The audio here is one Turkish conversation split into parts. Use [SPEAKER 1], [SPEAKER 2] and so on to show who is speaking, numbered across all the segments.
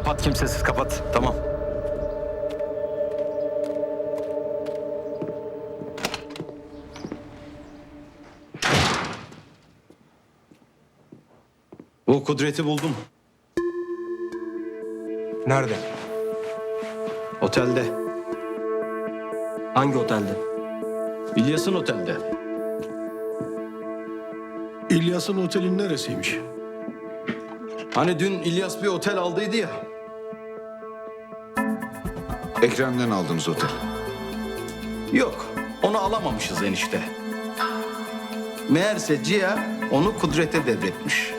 [SPEAKER 1] Kapat, kimsesiz kapat. Tamam. O Kudret'i buldum.
[SPEAKER 2] Nerede?
[SPEAKER 1] Otelde.
[SPEAKER 2] Hangi otelde?
[SPEAKER 1] İlyas'ın otelde.
[SPEAKER 3] İlyas'ın otelin neresiymiş?
[SPEAKER 1] Hani dün İlyas bir otel aldıydı ya.
[SPEAKER 4] Ekrem'den aldığımız otel.
[SPEAKER 1] Yok, onu alamamışız enişte. Meğerse Ciha onu Kudret'e devretmiş.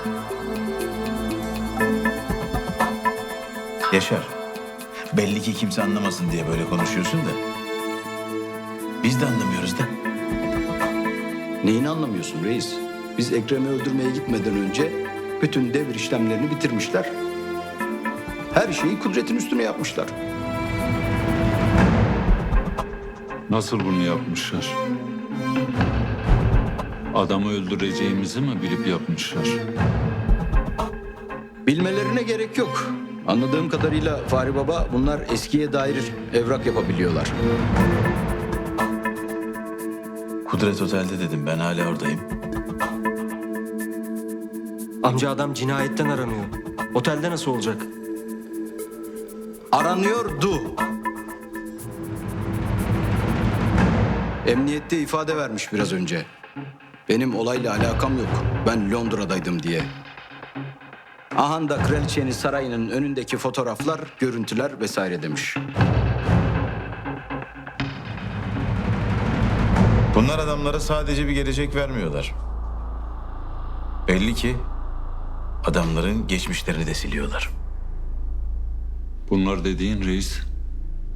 [SPEAKER 5] Yaşar, belli ki kimse anlamasın diye böyle konuşuyorsun da. Biz de anlamıyoruz da.
[SPEAKER 1] Neyini anlamıyorsun reis? Biz Ekrem'i öldürmeye gitmeden önce bütün devir işlemlerini bitirmişler. Her şeyi Kudret'in üstüne yapmışlar.
[SPEAKER 6] Nasıl bunu yapmışlar? Adamı öldüreceğimizi mi bilip yapmışlar?
[SPEAKER 1] Bilmelerine gerek yok. Anladığım kadarıyla Fahri Baba bunlar eskiye dair evrak yapabiliyorlar.
[SPEAKER 5] Kudret Otel'de dedim, ben hala oradayım.
[SPEAKER 2] Amca adam cinayetten aranıyor. Otelde nasıl olacak?
[SPEAKER 1] Aranıyordu. Emniyette ifade vermiş biraz önce. Benim olayla alakam yok. Ben Londra'daydım diye. Aha da kraliçenin sarayının önündeki fotoğraflar, görüntüler vesaire demiş.
[SPEAKER 5] Bunlar adamlara sadece bir gelecek vermiyorlar. Belli ki adamların geçmişlerini de siliyorlar.
[SPEAKER 6] Bunlar dediğin reis,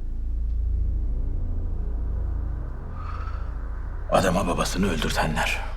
[SPEAKER 5] Adama babasını öldürtenler.